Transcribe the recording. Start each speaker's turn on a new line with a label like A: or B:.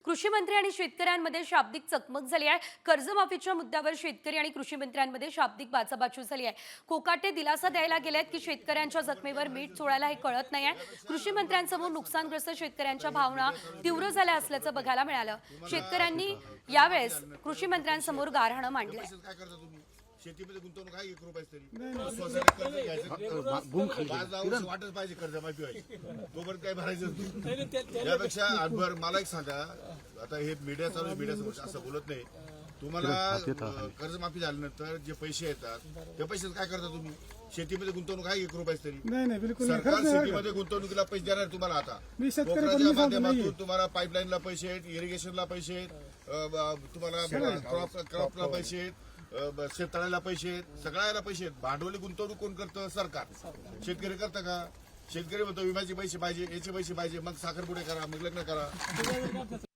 A: कृषी मंत्री आणि शेतकऱ्यांमध्ये शाब्दिक चकमक झाली आहे। कर्जमाफीच्या मुद्द्यावर शेतकरी आणि कृषी मंत्र्यांमध्ये शाब्दिक बाचाबाची झाली आहे। कोकाटे दिलासा द्यायला गेलेत की शेतकऱ्यांच्या जखमेवर मीठ चोळायला हे कळत नाहीये। कृषी मंत्र्यांसमोर नुकसानग्रस्त शेतकऱ्यांच्या भावना तीव्र झाल्या असल्याचं बघायला मिळालं। शेतकऱ्यांनी यावेळेस कृषी मंत्र्यांसमोर गाऱ्हाणं मांडलंय।
B: शेतीमध्ये गुंतवणूक आहे 1 रुपयाच तरी स्वतःला कर्ज घ्यायचं वाटत पाहिजे कर्जमाफी व्हायची तोपर्यंत काय भरायचं त्यापेक्षा आजभर मला एक सांगा आता हे मीडिया चालू आहे मीडियासमोर असं बोलत नाही तुम्हाला कर्जमाफी झाल्यानंतर जे पैसे येतात त्या पैशात काय करता तुम्ही शेतीमध्ये गुंतवणूक आहे 1 रुपयाच तरी
C: नाही बिलकुल
B: सरकार शेतीमध्ये गुंतवणुकीला पैसे देणार तुम्हाला आता कोकणाच्या माध्यमातून तुम्हाला पाईपलाईनला पैसे आहेत इरिगेशनला पैसे आहेत तुम्हाला क्रॉपला पैसे आहेत शेततळ्याला पैसे आहेत सगळ्याला पैसे आहेत भांडवली गुंतवणूक कोण करतं सरकार शेतकरी करतं का शेतकरी म्हणतो विम्याचे पैसे पाहिजे याचे पैसे पाहिजे मग साखरपुडे करा मग लग्न करा